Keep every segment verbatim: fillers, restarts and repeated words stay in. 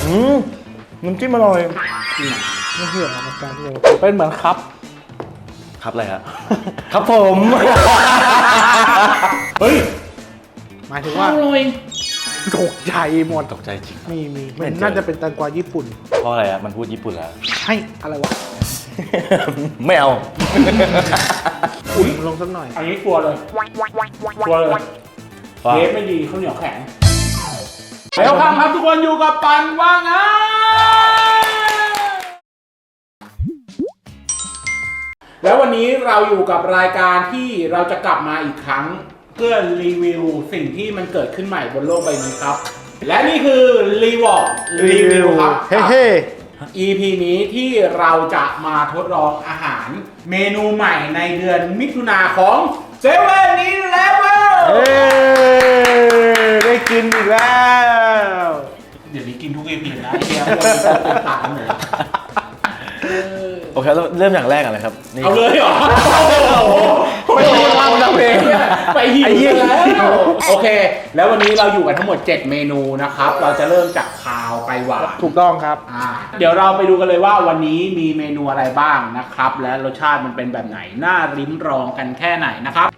อืมน้ำจิ้มอร่อยไม่เชื่ออาการเลยเป็นเหมือนครับครับอะไรครับ ครับผมเฮ้ยหมายถึงว่าอร่อยตกใจหมดตกใจจริงมีมีไม่มันเจอน่าจะเป็นแตงกวาญี่ปุ่นเพราะอะไรอ่ะมันพูดญี่ปุ่นแล้วให้อะไรวะไม่เอาอุ่นลงสักหน่อยอันนี้กลัวเลยกลัวเลยว่าเทปไม่ดีข้าวเหนียวแข็งแล้วครับครับทุกคนอยู่กับปันว่างงานแล้ววันนี้เราอยู่กับรายการที่เราจะกลับมาอีกครั้งเพื่อรีวิวสิ่งที่มันเกิดขึ้นใหม่บนโลกใบนี้ครับ และนี่คือรีวอร์ดรีวิวครับเฮ้เฮ้อี พี นี้ที่เราจะมาทดลองอาหารเมนูใหม่ในเดือนมิถุนาของเซเว่นอีเลฟเว่นเฮ้ได้กินอีกแล้วเดี๋ยวนี้กินทุก อี พี นะไอ้เหี้ยเป็นตาหนูโอเคแล้วเริ่มอย่างแรกอะไรครับนี่เอาเลยเหรอไม่ต้องทำนะเพลงไปหิวแล้วโอเค แล้ววันนี้เราอยู่กันทั้งหมดเจ็ดเมนูนะครับเราจะเริ่มจากคาวไปหวานถูกต้องครับอ่าเดี๋ยวเราไปดูกันเลยว่าวันนี้มีเมนูอะไรบ้างนะครับและรสชาติมันเป็นแบบไหนน่าริมรองกันแค่ไหนนะครับ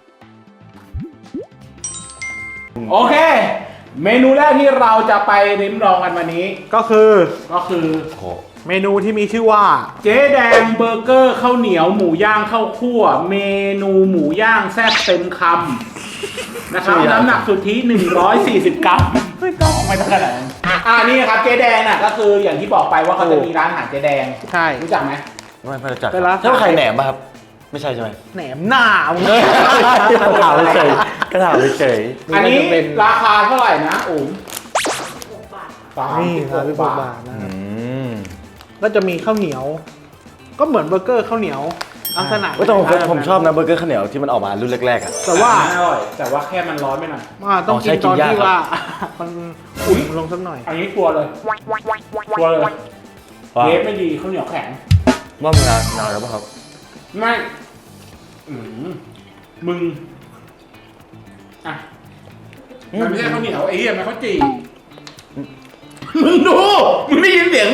โอเค เมนูแรกที่เราจะไปริมรองกันวันนี้ก็คือก็คือโอ้โหเมนูที่มีชื่อว่าเจ๊แดงเบอร์เกอร์ข้าวเหนียวหมูย่างข้าวคั่ว เมนูหมูย่างแซ่บเต็มคำนะครับน้ำหนักสุทธิหนึ่งร้อยสี่สิบกรัมไม่ต้องไม่ต้องขนาดนั้นอ่านี่ครับเจ๊แดงน่ะก็คืออย่างที่บอกไปว่าเขาจะมีร้านอาหารเจ๊แดงใช่รู้จักไหมไม่ไม่รู้จักเป็นร้านใช่ว่าไข่แหนมป่ะครับ ไม่ใช่ใช่ไหมแหนมหน้ามึงกระถางเฉยกระถางเฉยอันนี้จะเป็นราคาเท่าไหร่นะอุ๋มสามนี่สิบคหรับกพี่บาบาททนะอืมก็จะมีข้าวเหนียว ก็เหมือนเบอร์เกอร์ข้าวเหนียวลักษณะว่าแต่ผมผมชอบนะเบอร์เกอร์ข้าวเหนียวที่มันออกมารุ่นแรกๆอ่ะแต่ว่าอร่อยแต่ว่าแค่มันร้อนไปหน่อยอ่าต้องอ๋อกิใช่นตอนกินยากที่ครับว่า มันอุ่นลงสักหน่อยอันนี้กลัวเลยกลัวเลยว่าเทปไม่ดีข้าวเหนียวแข็งว่ามันนานนานแล้วป่ะครับไม่อืมมึง อ่ะ มันไม่ใช่ข้าวเหนียวไอ้เหี้ยมันข้าวจี่มึงดู มึงได้ยินเสียง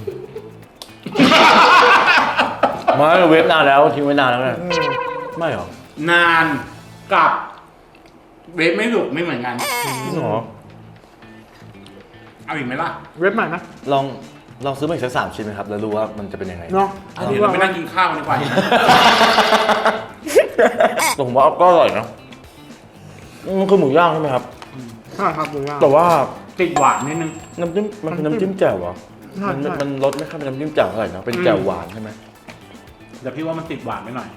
ไมาเวฟนานแล้วทิ้งไว้นานแล้วเนี่ยไม่หรอนานกับเวฟไม่สุกไม่เหมือนกันจริงเหรอเอาอีกไหมล่ะเว็บใหม่นะลองลองซื้อมาอีกสักสามชิ้นไหมครับ แล้วรู้ว่ามันจะเป็นยังไงเนาะเดี๋ยวเราไปนั่งกินข้าวกันดีกว่าแต่ผมว่าก็อร่อยนะมันคือหมูย่างใช่ไหมครับใช่ครับดูยากแต่ว่าติดหวานนิดนึงน้ำจิ้มมันเป็นน้ำจิ้มแจ่วเหรอใช่มันใช่มันรสไม่ค่อยเป็นน้ำจิ้มแจ่วเท่าไหร่นะเป็นแจ่วหวานใช่ไหมแต่พี่ว่ามันติดหวานไปหน่อย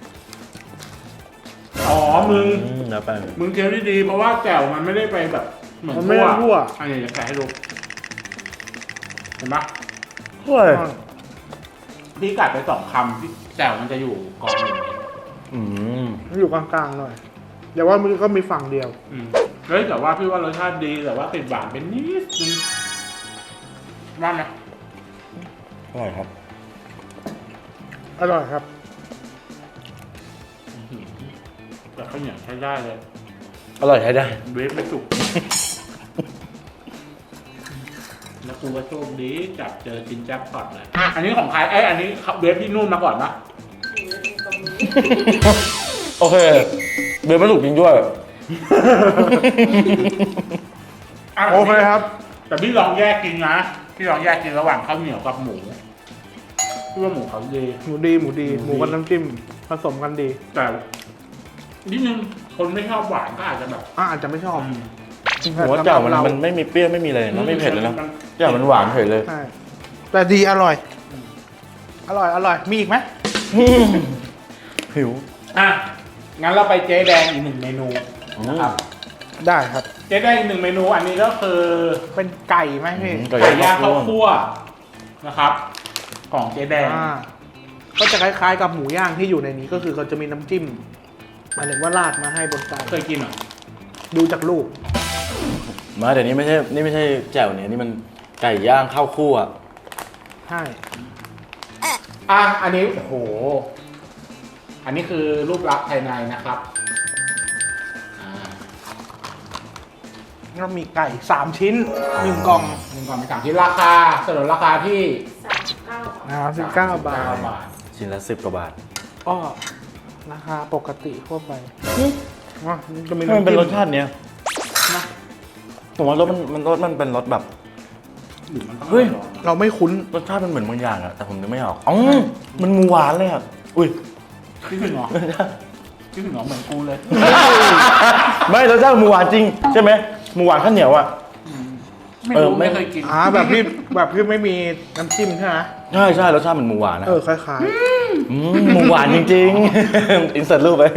อ๋อ มึงอืมแล้วไปมึงเคี้ยวดีๆเพราะว่าแจ่วมันไม่ได้ไปแบบเหมือนมันไม่ได้ทั่วอันนี้จะแกะให้ดู เห็นปะเฮ้ยพี่กัดไปสองคำที่แจ่วมันจะอยู่กองหนึ่งอืมมันอยู่กลางๆหน่อยแต่ว่ามันก็มีฝั่งเดียวอืมเฮ้ยแต่ว่าพี่ว่ารสชาติดีแต่ว่าติดหวานเป็นนิดนึงว่าไหมอร่อยครับอร่อยครับแต่ข้าวเหนียวใช้ได้เลยอร่อยใช้ได้เวฟไม่สุก แล้วกูก็โชคดีจับเจอจินแจ็คพอตเลย อันนี้ของใครไอยอันนี้เวฟที่นู่นมาก่อนปะโอเคเบลไม่ถูกจริงด้วยะโอเคครับแต่พี่ลองแยกกินนะ พี่ลองแยกกินระหว่างข้าวเหนียวกับหมู พี่ว่าหมูเขาดีหมูดีหมูดีหหมูมูดีกับน้ำจิ้มผสมกันดีแต่นิดนึงคนไม่ชอบหวานก็อาจจะแบบอ่าอาจจะไม่ชอบอืมหัวเจ่ามันมันไม่มีเปรี้ยวไม่มีอะไรนะไม่เผ็ดเลยนะเจ่ามันหวานเฉยเลยใช่แต่ดีอร่อย อร่อยอร่อยมีอีกไหมหิวอ่ะ งั้นเราไปเจ๊แดงอีกหนึ่งเมนูนะครับได้ครับเจ๊แดงอีกหนึ่งเมนู อันนี้ก็คือเป็นไก่ไหมพี่อืม ไก่ไก่ย่างข้าวคั่วนะครับ ของเจ๊แดงอ่าก็จะคล้ายๆกับหมูย่างที่อยู่ในนี้ก็คือเขาจะมีน้ำจิ้มหมายถึงว่าราดมาให้บนไก่เคยกินเหรอดูจากรูปมาแต่นี้ไม่ใช่นี่ไม่ใช่แจ่วเนี่ยนี่มันไก่ย่างข้าวคั่วใช่อ่ะ อันนี้ โอ้โห อันนี้คือรูปลักษณ์ภายในนะครับอ่าแล้วก็มีไก่สามชิ้นหนึ่งกล่องหนึ่งกล่องเป็นสามชิ้นราคาสนุนราคาที่สามสิบเก้านะครับสิบเก้าบาทบาทชิ้นละสิบกว่าบาทก็ราคาปกติทั่วไปอ่ะจะมีมันเป็นรสำจิ้ชาติเนี้ยนะผมว่ารสมันมันรสมันเป็นรสแบบหรือมันต้องเฮ้ยลองเราไม่คุ้นรสชาติมันเหมือนบางอย่างอะแต่ผมนึกไม่ออกอ๋อมันหมูหวานเลยอะอุ้ยคิดถึงเหรอคิดถึงเหรอเหมือนกูเลยไม่รสชาติหมูหวานจริงใช่ไหมหมูหวานข้าวเหนียวอะไม่เออรู้ไม่ไม่เคยกินอ่าแบบที่แบบที่ไม่มีน้ำจิ้มใช่ไหมใช่ใช่รสชาติเหมือนหมูหวานนะเออคล้ายอืมหมูหวานจริงๆ อินเสิร์ตรูปไป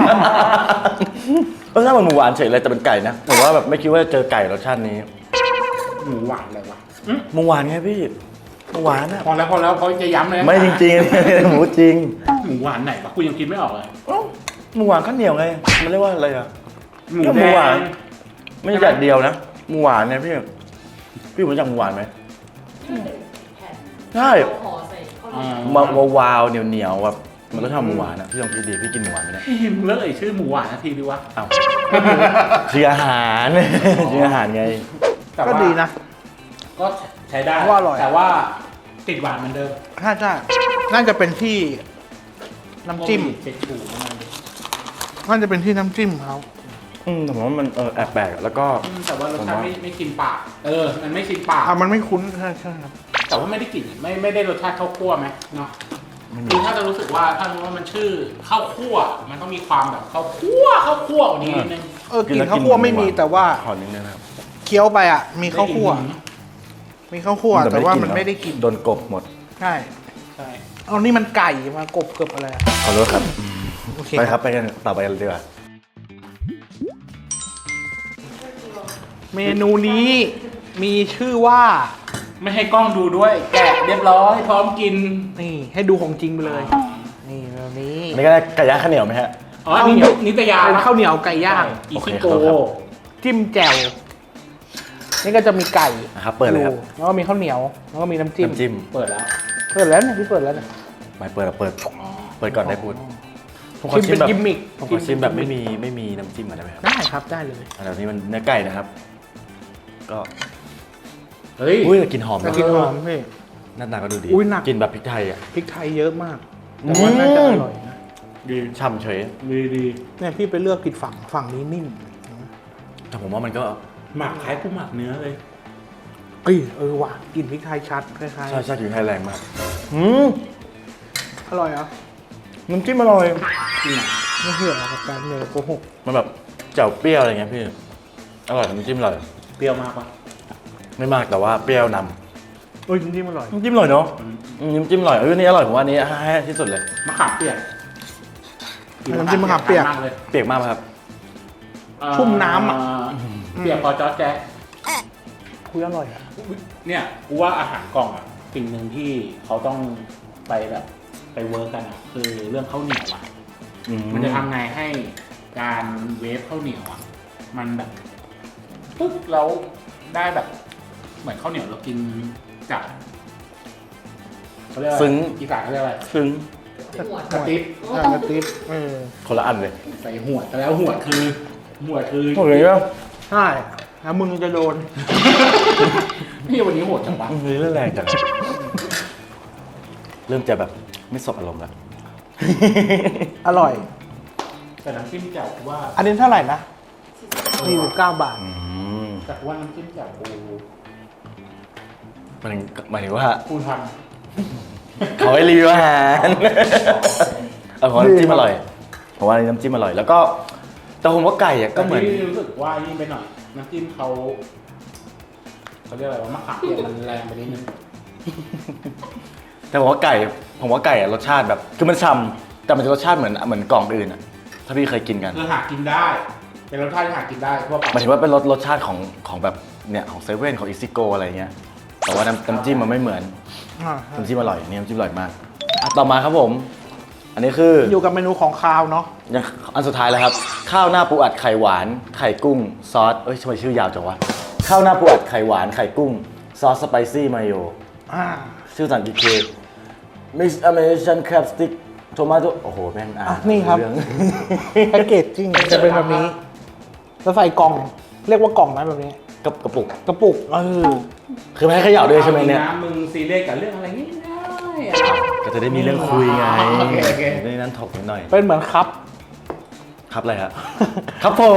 รสชาติเหมือนหมูหวานเฉยเลยแต่เป็นไก่นะผมว่าแบบไม่คิดว่าจะเจอไก่รสชาตินี้หมูหวานเลยวะหมูหวานไงพี่หมูหวานอะพอแล้วพอแล้วเขาจะย้ำเลยนะไม่จริงๆ หมูจริงหมูหวานไหนปะกูยังคิดไม่ออกเลยเอ้าหมูหวานข้าวเหนียวไงมันเรียกว่าอะไรอะหมูก็หแดมูหวานงไม่ใช่อย่างเดียวนะหมูหวานเนี่ยพี่พี่รู้จักหมูหวานไหมที่มันเป็นแผ่นใช่เราห่อใส่ข้าวเหนียวมาวาวๆเหนียวๆแบบมันรสชาติหมูหวานอะพี่ลองคิดดีพี่กินหมูหวานไม่ได้เฮ้ยมึงเลิกเอ่ยชื่อหมูหวานนาทีดีวะอ้าวชื่ออาหารชื่ออาหารไงแต่ๆก็ว่าดีนะก็ใช้ได้ว่าอร่อยแต่ว่าติดหวานเหมือนเดิมใช่ใช่น่าจะเป็นที่น้ำจิ้มเช็คชูประมาณนี้น่าจะเป็นที่น้ำจิ้มเขาอืมแต่ผมว่ามันเออแอบแปลกอะแล้วก็อืมแต่ว่ารสชาติผมว่าไม่ไม่กินปาก เออ มันไม่ชินปากอ่ะมันไม่คุ้นใช่ใช่ครับแต่ว่าไม่ได้กลิ่นไม่ไม่ได้รสชาติข้าวคั่วไหมเนาะคือถ้าจะรู้สึกว่าถ้ารู้ว่ามันชื่อข้าวคั่ว มันต้องมีความแบบข้าวคั่วข้าวคั่วกว่านี้นิดนึงเออกลิ่นข้าวคั่วไม่มีแต่ว่าขอนิดนึงนะครับเคี้ยวไปอ่ะ มีข้าวคั่ว มีข้าวคั่วแต่ว่ามันไม่ได้กลิ่นโดนกบหมดใช่ใช่เอานี่มันไก่มากบเกือบอะไรอะขอโทษครับโอเคไปครับไปกันต่อไปกันเลยดีกว่าเมนูนี้มีชื่อว่าไม่ให้กล้องดูด้วย แกะเรียบร้อยพร้อมกินนี่ให้ดูของจริงไปเลย นี่แบบนี้อันนี้ก็ได้ไก่ย่างข้าวเหนียวไหมฮะอ๋อนี่นิตยาเป็นข้าวเหนียวไก่ย่างอีโอเคคิครัโกบครับจิ้มแจ่วนี่ก็จะมีไก่นะครับเปิดเลยครับแล้วก็มีข้าวเหนียว แล้วก็มีน้ำจิ้มน้ำจิ้มเปิดแล้วเปิดแล้วเนี่ยพี่เปิดแล้วเนี่ยไม่เปิดอะเปิด เปิดก่อนได้พูดผมขอชิมชิเป็มนแบบกิมมิคผมขอชิมแบบไม่มีไม่มีน้ำจิ้มก่อนได้ไหมครับได้ครับได้เลยอันนี้มันเนื้อไก่นะครับ ก็เฮ้ยอุ้ยแต่กลินหอมแต่นะกินหอมพี่หน้าตาก็ดูดีอุ้ยหนักกินแบบพริกไทยอ่ะพริกไทยเยอะมาก แต่ว่าน่าจะอร่อยนะดีฉ่ำเฉยดีดีเนี่ยพี่ไปเลือกผิดฝั่งฝั่งนี้นิ่มแต่ผมว่ามันก็หมักคล้ายกูหมักเนื้อเลยเอ้ยเออว่ะกลิ่นพริกไทยชัดคล้ายใช่ใช่กลิ่นไทยแรงมากอืมๆอร่อยเหรอ่ะน้ำจิ้มอร่อยไม่เชื่อหรอกครับการเนยโกหกมันแบบแจ่วเปรี้ยวอะไรเงี้ยพี่ อร่อยน้ำจิ้มอร่อยเปรี้ยวมากปะไม่มากแต่ว่าเปรี้ยวนเอ้ยจริงๆอร่อยำน้ำจิ้มอร่อยเนาะอืมน้ำจิ้มอร่อยเออนี่อร่อยผมว่าอันนี้ให้ที่สุดเลยมะขามเปียกน้ำจิ้มมะขามเปียกมากเลยเปียกมากไหมครับเอ่อชุ่มน้ำอะเปียกพอจอแจ๊ะคุยอร่อยอ่ะเนี่ยกูว่าอาหารกล่องอ่ะสิ่งหนึ่งที่เขาต้องไปแบบไปเวิร์กกันอ่ะคือเรื่องข้าวเหนียวอ่ะอืมันจะทำไงให้การเวฟข้าวเหนียวอ่ะมันแบบปึ๊บแล้วได้แบบ เหมือนข้าวเหนียวเรากินจากเขาเรียกว่าซึ้งอีสานเขาเรียกอะไรซึ้งหัวกระติ๊บใช่กระติ๊บเออคนละอันเลยใส่หัวดแต่แล้วหัวดคือหัวดคือโอ้ยป่ะใช่แล้วมึงจะโดนนี่วันนี้โหดจังวะอืมเรื่องแรงจังเริ่มจะแบบไม่สบอารมณ์แล้วอร่อยแต่น้ำจิ้มแจ่วกูว่าอันนี้เท่าไหร่นะสี่สิบเก้าบาทอืมแต่กูว่าน้ำจิ้มแจ่วกูมันหมายถึงว่ากูทเขาให้รีวิวอาหารเออผมว่าน้ำจิ้มอร่อยผมว่าน้ำจิ้มอร่อย แล้วก็แต่ผมว่าไก่อะำก็เหมือนแต่ที่รู้สึกว่านี่ไปหน่อยน้ำจิ้มเขาเขาเรียกอะไรว่ามะขามเปียกมันแรงไปนิดนึงแต่ผมว่าไก่ผมว่าไก่อะรสชาติแบบคือมันฉ่ำแต่มันจะรสชาติเหมือนเหมือนกล่องอื่นอะถ้าพี่เคยกินกันคือหากินได้ เป็นรสชาติที่หากินได้ทั่วไปหมายถึงว่าเป็นรสรสชาติของของแบบเนี่ยของเซเว่นของอิซิโกอะไรเงี้ยแต่ว่าน้ำน้ำจิ้มมันไม่เหมือนอ่าน้ำจิ้มอร่อยอันนี่น้ำจิ้มอร่อยมากอ่ะต่อมาครับผม อันนี้คืออยู่กับเมนูของคาวเนาะยังอันสุดท้ายแล้วครับ ข้าวหน้าปูอัดไข่หวาน ไข่กุ้ง ซอสเอ้ยทำไมชื่อยาวจังวะข้าวหน้าปูอัดไข่หวานไข่กุ้ง ซอสสไปซี่มายโยอ่าชื่อภาษาอังกฤษคือ Mix American Crab Stick Tomato โอ้โหแม่งอ่าอ่ะนนี่ครับเรื่องแพ็กเกจจริงจะเป็นแบบนี้แล้วใส่กล่องเรียกว่ากล่องไหมแบบนี้กระกระปุกกระปุกเออคือไม่ให้เขย่าด้วยใช่ไหมเนี่ยอาจริงะมึงซีเรียสกับเรื่องอะไรง่ายๆอะก็จะได้มีเรื่องคุยไงโอเคโอเคในนั้นถกนิดหน่อยเป็นเหมือนครับครับอะไรฮะ ครับผม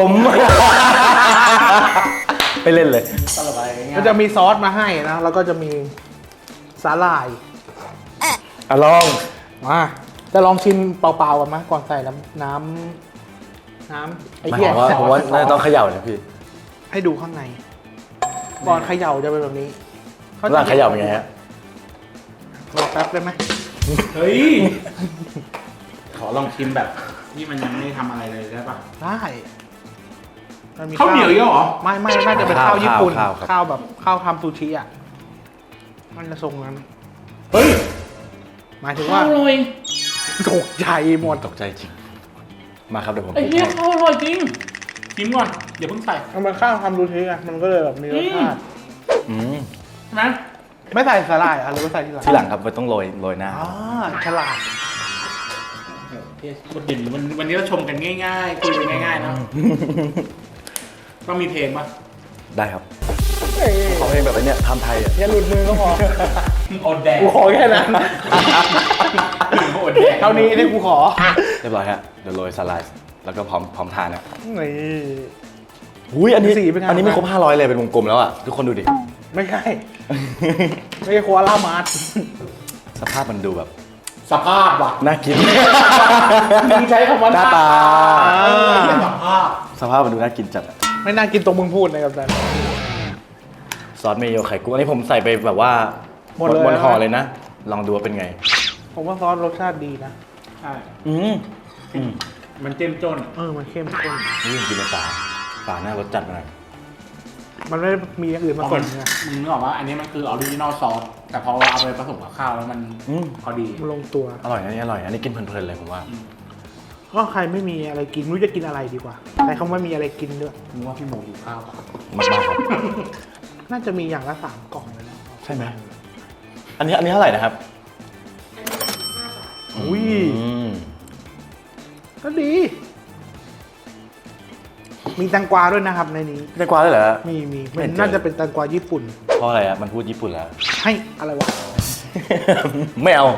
ไปเล่นเลยตลกอะไรง่ายๆก็จะมีซอสมาให้นะ แล้วก็จะมีสาหร่ายอ่ะลองมาจะลองชิมเปล่าๆกันไหมก่อนใส่น้ำน้ำน้ำไอ้หมายเหี้คยวามว่าผมว่าน่าจะต้องเขย่านะพี่ให้ดูข้างใน ก่อนเขย่าจะเป็นแบบนี้ร่างเขย่าเป็นไงฮะรอแป๊บได้ไหมเฮ้ย ขอลองชิมแบบที่มันยังไม่ทำอะไรเลยได้ปะได้มันมีข้าวเหนียวเยอะเหรอไม่ไม่น่าจะเป็นข้าวข้าวญี่ปุ่นข้าวครับข้าวแบบข้าวทำซูชิอ่ะมันจะทรงนั้นเฮ้ยหมายถึงว่าข้าวอร่อยตกใจหมดตกใจจริง มาครับเดี๋ยวผมไอ้เหี้ยข้าวอร่อยจริงชิมก่อนอย่าเพิ่งใส่มันเป็นข้าวทำซูชิอ่ะมันก็เลยแบบมีรสชาติอืมใช่ไหมไม่ใส่สาหร่ายอ่ะหรือว่าใส่ทีหลังที่หลังครับมันต้องโรยโรยหน้าอ๋อฉลาดเฮ้ยคนเด่นวันวันนี้เราชมกันง่ายๆคุยกันง่ายๆเนอะต้องมีเพลงปะได้ครับเอ้ยขอเพลงแบบไอ้เนี่ยทำไทยอ่ะอย่าหลุดมือก็พออดแดกกูขอแค่นั้นอดแดกเท่านี้ที่กูขอเรียบร้อยฮะเดี๋ยวโรยสไลด์แล้วก็พร้อมพร้อมทานนะนี่อุ้ยอันนี้สีเป็นไงอันนี้ไม่ครบห้าร้อยเลยเป็นวงกลมแล้วอ่ะทุกคนดูดิไม่ใช่ ไม่ใช่โคอาล่ามาร์ทสภาพมันดูแบบสภาพว่ะน่ากินมึงใช้คำว่าหน้าตาเออเหี้ยสภาพสภาพมันดูน่ากินจัดอะไม่น่ากินตรงมึงพูดนะครับแต่ซอสเมโยไข่กุ้งอันนี้ผมใส่ไปแบบว่าหมดเลยบนห่อเลยนะ ลองดูว่าเป็นไงผมว่าซอสรสชาติดีนะใช่อืมอืมมันเจ้มจนเออ มันเข้มข้นนี่ยังกินในป่าป่าหน้ารสจัดมาหน่อยมันไม่ได้มีอย่างอื่นมาผมันสมไงมึงนึกออกว่าอันนี้มันคือออริจินอลซอสแต่พอเอาไปผสมกับข้าวแล้วมันอืมพอดีมันลงตัวอร่อยนะนี่อร่อยอันนี้กินเพลินๆเลยผมว่าก็ใครไม่มีอะไรกินไม่รู้จะกินอะไรดีกว่าแต่เขาไม่มีอะไรกินด้วยมึงว่าพี่โมอยู่ข้าวปะมากๆครับน่าจะมีอย่างละสามกล่องเลยนะใช่ไหม อันนี้อันนี้เท่าไหร่นะครับอันนี้สิบห้าบาทอุ้ยอืมก็ดี มีแตงกวาด้วยนะครับในนี้ได้กว่าเลยเหรอมีมีไม่มันเจอน่าจะเป็นแตงกวาญี่ปุ่นเพราะอะไรอ่ะมันพูดญี่ปุ่นแล้วให้อะไรวะไม่เอา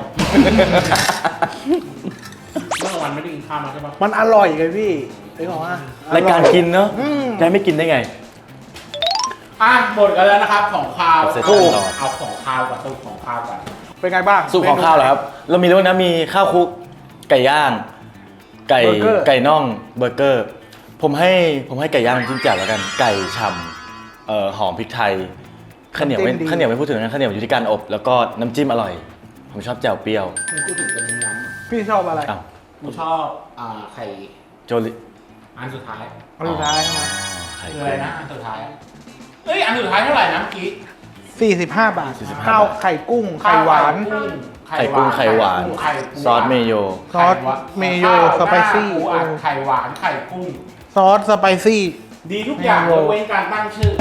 เมื่อวันไม่ได้กินข้าวมาใช่ปะมันอร่อยไงพี่ไอ้บอกว่าอรายการกินเนอะอืมจะให้ไม่กินได้ไงอ่ะหมดกันแล้วนะครับของข้าวเสร็จเอาแล้วเอาของข้าวกับตู้ของข้าวกันเป็นไงบ้างสูตรของข้าวเหรอครับ เรามีด้วยนะมีข้าวคลุกไก่ย่าง ไก่เบอร์เกอร์ไก่น่องเบอร์เกอร์ ผมให้ผมให้ไก่ย่างจิ้มแจ่วแล้วกัน ไก่ฉ่ำเอ่อหอมพริกไทยข้าวเหนียวไม่ข้าวเหนียวไม่พูดถึงนะข้าวเหนียวอยู่ที่การอบ แล้วก็น้ำจิ้มอร่อย ผมชอบแจ่วเปรี้ยวมึงพูดถึงกันย้ำพี่ชอบอะไรอ้าวกูชอบอ่าไข่โจลิอันสุดท้ายอันสุดท้ายใช่ไหมอ๋อไข่คืออะไรนะอันสุดท้ายเอ้ยอันสุดท้ายเท่าไหร่นะเมื่อกี้สี่สิบห้าบาทสี่สิบห้าข้าวบาทไข่กุ้ง ไข่หวานไข่กุ้งไข่หวานไข่กุ้งซอสเมโยซอสเมโยข้าวสไปซี่หน้าปูอัดไข่หวานไข่กุ้งซอสสไปซี่ดีทุกอย่างเมยโยกเว้นการตั้งชื่อ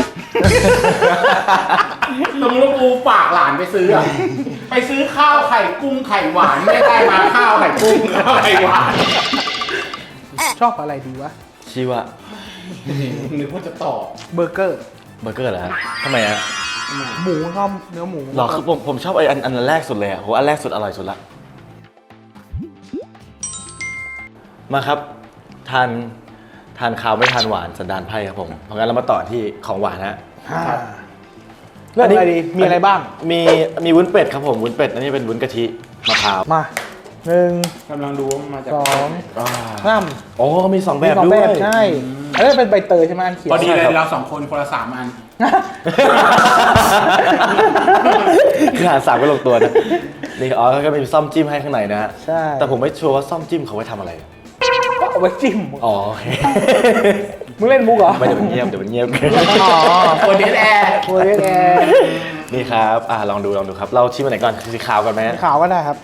สมมติว่ากูฝากหลานไปซื้ออะไปซื้อข้าวไข่กุ้งไข่หวานไม่ได้มาข้าวไข่กุ้งข้าวไข่หวานชอบอะไรดีวะชื่อว่านึกว่าจะตอบเบอร์เกอร์เบอร์เกอร์เหรอฮะทำไมอะหมูชอบเนื้อหมูหรอคือผมผมชอบไอ้อันอันแรกสุดเลยอ่ะโหอันแรกสุดอร่อยสุดละมาครับทานทานข้าวไม่ทานหวานสันดานไพ่ครับผมเพราะงั้นเรามาต่อที่ของหวานฮะอ่าเรื่องอะไรดี มีอะไรบ้างมีมีวุ้นเป็ดครับผมวุ้นเป็ดอันนี้เป็นวุ้นกะทิมะพร้าวมาหนึ่งกำลังดูว่ามันมาจากสองอ่าสามโอ้มีสองแบบมีสองด้แบวยบใช่อันนี้เป็นใบเตยใช่ไหมอันเขียวพอดีเลยใช่ครับเราสองคนคนละสามอันคือหารสามก็ลงตัวนะนี่อ๋อแล้วก็มีซ่อมจิ้มให้ข้างในนะฮะใช่แต่ผมไม่ชัวร์ว่าซ่อมจิ้มเขาไว้ทำอะไรก็เอาไว้จิ้มอ๋อโอเคมึงเล่นมุกเหรอไม่เดี๋ยวมันเงียบเดี๋ยวมันเงียบอ๋อโคเดนแอร์โคเรียนแอร์นี่ครับอ่าลองดูลองดูครับ เราชิมอันไหนก่อนสีขาวก่อนไหมขาวก็ได้ครับ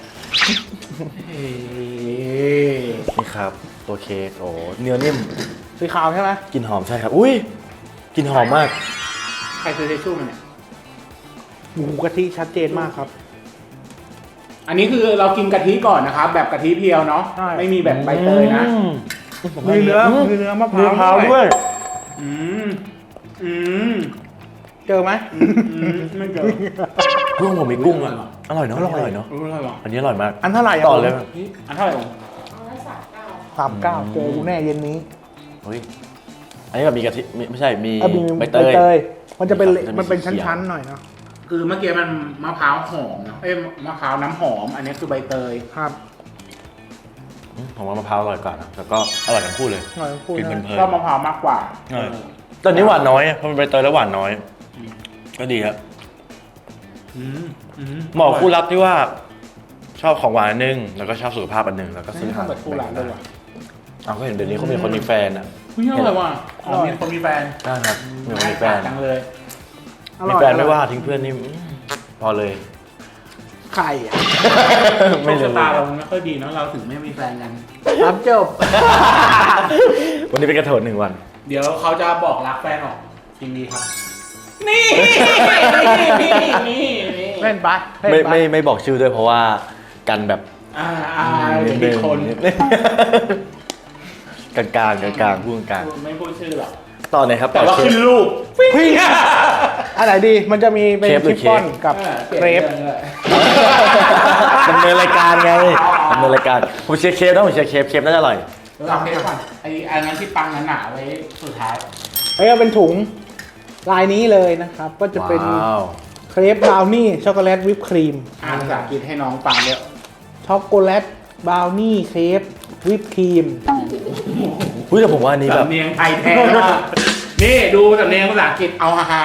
นี่ครับตัวเค้กโอ้เนื้อนิ่มสีขาวใช่ไหมกลิ่นหอมใช่ครับ อุ้ยกลิ่นหอมมากใครซื้อเทชชู่มาเนี่ยหมูกะทิชัดเจนมากครับอันนี้คือเรากินกะทิก่อนนะครับ แบบกะทิเพียวเนาะใช่ไม่มีแบบใบเตยนะอืมมีเนื้อมีเนื้อมะพมะพร้าร้าว วด้วยอืมอืมเจอไหมอืมไม่เจอกุ้งผมมีกุ้งอ่ะอร่อยเนาะอร่อยเนาะอร่อยว่ะอันนี้อร่อยมากอันเท่าไหร่ะต่อเลยนี่อันเท่าไหร่องเอาไว้สามเก้าสามเก้าเจอกูแน่เย็นนี้เฮ้ยอันนี้แบบมีกะทิมีไม่ใช่มีอ่ะมีใบใบเตยเตย มันจะเป็นครับจะมีมันเป็นสีเขียวชั้นๆหน่อยเนาะคือเมื่อกี้มันมะพร้าวหอมเนอะเอ้ยมะพร้าวน้ำหอม อันนี้คือใบเตยครับอืมผมว่ามะพร้าวอร่อยกว่านะแล้วก็อร่อยทั้งคู่เลยหน่อยพูดกินนะเพลินก็มะพร้าวมากกว่าๆใช่แตอนนี้หวานน้อยอะเพราะมันใบเตยแล้วหวานน้อย ก็ดีครับอืมอืมเหมาะคู่รักที่ว่า ชอบของหวานอันนึงแล้วก็ชอบสุขภาพอันนึงแล้วก็ซื้อไม่ทำแบบคู่รักด้วยว่ะเอาก็เห็นเดี๋ยวนี้เขามีคนมีแฟนอ่ะเฮ้ยอร่อยว่ะอ๋อมีคนมีแฟนได้ครับมีคนมีแฟนจังเลยอมีร่อยแฟนไม่อร่อยว่าทิ้งเพื่อนนี่อืมพอเลยไข่อะไม่โชครู้ชะตาเราไม่ค่อยดีเนอะเราถึงไม่มีแฟนกันครับจบวันนี้เป็นกระโถนหนึ่งวันเดี๋ยวเขาจะบอกรักแฟนออกจริงดีครับ นี่นี่นี่นี่เล่นไปเล่ไม่นไปไม่ไม่บอกชื่อด้วยเพราะว่ากันแบบอ่าอ่าเดี๋ยวมีคนกลางกลางกลางกลางๆพูดกลางไม่พูดชื่อหรอกๆต่อเลยครับแต่ว่าเชฟขึ้นรูปพี่อันไหนดี มันจะมีเป็นเครปหรืชิอฟฟ่อนเค้กกับออเครปดำเนินรายการไงดำเนินรายการผมเชียร์เคฟนะผมเชียร์เคฟเคฟน่าจะอร่อยเราเคสก่อนไอ้อันนั้นที่ปังหนาๆไว้สุดท้ายแล้วก็เป็นถุงลายนี้เลยนะครับ ก็จะเป็นว้าวเครปบราวนี่ช็อกโกแลตวิปครีมอ่านภาษาอังกฤษให้น้องฟังเยอะช็อกโกแลตบราวนี่เครปวิปครีมเฮ้ยแต่ผมว่าอันนี้แบบสำเนียงไทยแท้มากนี่ดูสำเนียงภาษาอังกฤษเอาฮาฮา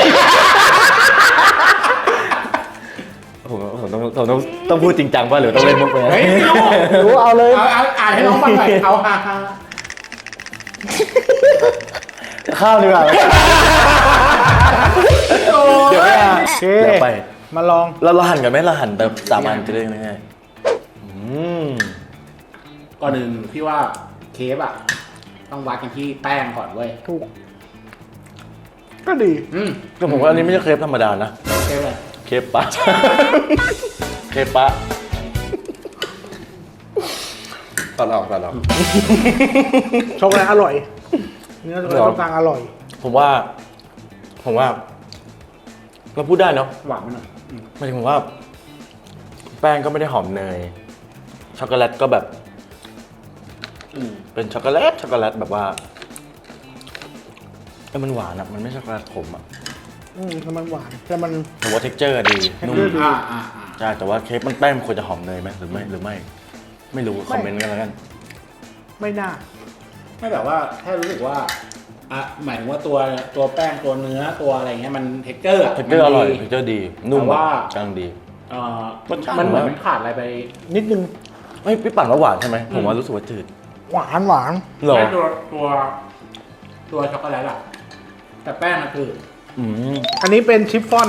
ผมผมต้องผมต้องต้องพูดจริงจังป่ะหรือต้องเล่นมุกไปเฮ้ยไม่รู้รู้เอาเลยเอาเอาอ่านให้น้องฟังหน่อยเอาฮาฮาข้าวดีกว่าเดี๋ยวไม่อ่ะโอเคเดี๋ยวไปมาลองเราเราหั่นกันไหมเราหั่นแบบสามอันจะได้ง่ายๆอืมก่อนหนึ่งพี่ว่าเคฟอ่ะต้องวัดกันที่แป้งก่อนเว้ยถูก ก็ดีอืมแต่ผมว่าอันนี้ไม่ใช่เครปธรรมดานะเคฟเลยเครปปะ เครปปะตัดออกตัดออกช็อกโกแลตอร่อย เนื้อช็อกโกแลตตรงกลางอร่อยผมว่า ผมว่า เราพูดได้เนาะหวานไปหน่อยอืมหมายถึงผมว่า แป้งก็ไม่ได้หอมเนย ช็อกโกแลตก็แบบอืมเป็นช็อกโกแลตช็อกโกแลตแบบว่าเอ้ยมันหวานอะมันไม่ใช่ช็อกโกแลตขมอะอืมแต่มันหวาน แต่มันแต่ว่าเท็กเจอร์ดีนุ่ม texture ดีอ่าอ่าอ่าใช่แต่ว่าเค้กมันแป้งมันควรจะหอมเนยไหมหรือไม่หรือไม่ ไม่รู้คอมเมนต์กันแล้วกันไม่น่าไม่แบบว่าแค่รู้สึกว่าอ่ะหมายถึงว่าตัวตัวแป้งตัวเนื้อตัวอะไรเงี้ยมันเทคเจอร์เท็กเจอร์อร่อยเท็กเจอร์ดี นุ่มแต่ว่ากลางดีเอ่อรสชาติมันเหมือนมันขาดอะไรไปนิดนึงเฮ้ยพี่ปั่นว่าหวานใช่ไหมผมว่ารู้สึกว่าจืดหวานหวานเหรอแค่ตัวตัวตัวช็อกโกแลตอะแต่แป้งมันคืออืมอันนี้เป็นชิฟฟ่อน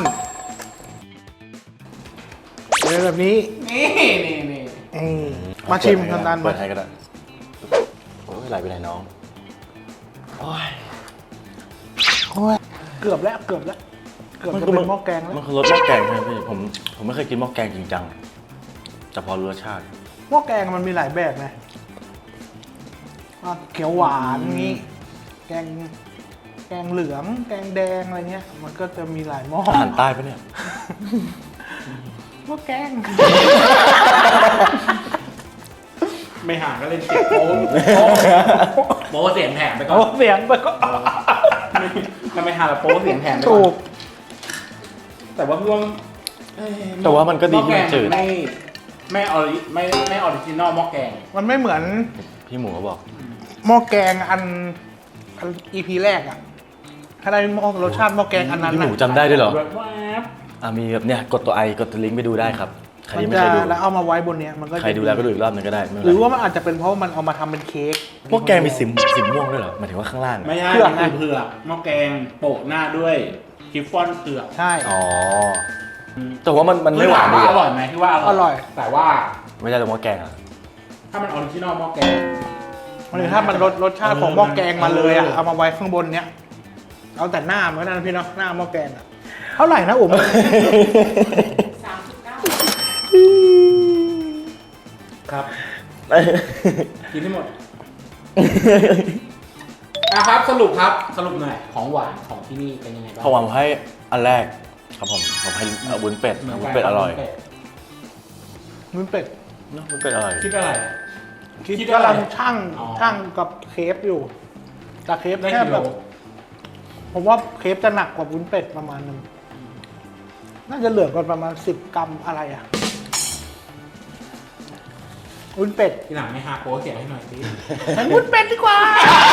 เป็นแบบนี้นี่นี่นี่เอ้ยมาชิมทันทันเปิมาดให้ก็ได้โอ้ยไหลไปไหนน้องโอ้ยโอ้ยเกือบแล้วเกือบแล้ว เกือบจะเป็นหม้อแกงแล้วมันคือรสหม้อแกงใช่ไหมพี่ผมผมไม่เคยกินหม้อแกงจริงจังแต่พอรู้รสชาติหม้อแกงมันมีหลายแบบไงอ่ะเขียวหวานงี้ แกง แกงเหลือง แกงแดงอะไรเงี้ย มันก็จะมีหลายหม้ออาหารใต้ปะเนี่ยหม้อแกงไม่ห่างก็เล่นเสียงโป๊ะโป๊ะโป๊ะเสียงแถมไปก่อโอ้นเสียงไปก็ถ้าไม่ห่างแล้วโป๊ะเสียงแถมไปก่ถูอนกแต่ว่าพี่ว่าเอ้ยแต่ว่ามันก็ดีหที่มันจืดไม่ไม่ออริไม่ไม่ออริจินอลหม้อแกงมันไม่เหมือนพี่หมูเขาบอกหม้อแกงอันอันอีพีแรกอะถ้าได้หม้อรสชาติหม้อแกงอันนั้นพี่หน่ะมูจำได้ด้วยเหรอแวบอ่ะมีแบบเนี่ยกดตัวไอกดตัวลิงก์ไปดูได้ครับใครมันยังไม่จะเคยดูแล้วเอามาไว้บนเนี้ยมันก็จะใครดูแล้วก็ดูอีกรอบหนึงก็ได้ไม่หเป็นรือไรว่ามันอาจจะเป็นเพราะว่ามันเอามาทำเป็นเค้กพวกแกงมีสีสีม่วงด้วยเหรอหมายถึงว่าข้างล่างๆอะไม่ใช่เผือกมันนะคือเผือกหม้อแกงโปะหน้าด้วยชิฟฟ่อนเผือกใช่อ๋อแต่ว่ามันมันไม่หวานคืดีอถมอร่อะอยไหมที่ว่าอร่อยแต่ว่าไม่ใช่แต่ว่าแกงอะถ้ามันออริจินอลหม้อแกงมันถ้ามันรสรสชาติของหม้อแกงมาเลยอะเอามาไว้ข้างบนเนี้ยเอาแต่หน้ามันก็นั่นพี่เนาะหน้าหม้อแกงอะเท่าไหร่นะอุ๋มสามสิบเก้าครับ กินให้หมดนะครับสรุปครับสรุปหน่อยของหวานของที่นี่เป็นยังไงบ้างผมหวังให้อันแรกครับผมผมให้วุ้นเป็ดวุ้นเป็ดอร่อยวุ้นเป็ดเนอะวุ้นเป็ดอร่อยคิดอะไรคิดคิดอะไรกำลังช่างอ๋อช่างกับเคฟอยู่แต่เคฟได้แค่กี่แบโลบผมว่าเคฟจะหนักกว่าวุ้นเป็ดประมาณนึงน่าจะเหลือกันประมาณสิบกรัมอะไรอ่ะวุ้นเป็ดทีหลังไม่หาโค้ชเสียให้หน่อยสิงั้นวุ้นเป็ดดีกว่า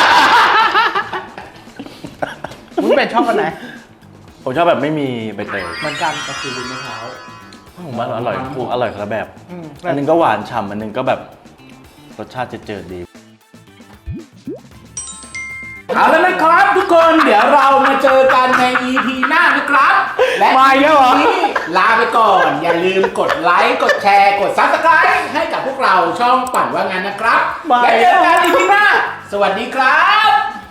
วุ้นเป็ดชอบอันไหนผมชอบแบบไม่มีใบเตยเหมือนกันก็คือวุ้นมะพร้าวผมว่าอร่อยคู่อร่อยคนละแบบอืมอันหนึงก็หวานฉ่ำอันหนึงก็แบบรสชาติเจิดๆดีเอาแล้วนะครับทุกคนเดี๋ยวเรามาเจอกันใน อี พี หน้านะครับ และมาอีกแล้วเหรอวันนี้ลาไปก่อน อย่าลืมกดไลค์กดแชร์กด ซับสไครบ์ ให้กับพวกเราช่องปั่นว่างั้นนะครับมาและอีกเจแล้วอกัน อี พี หน้า สวัสดีครับ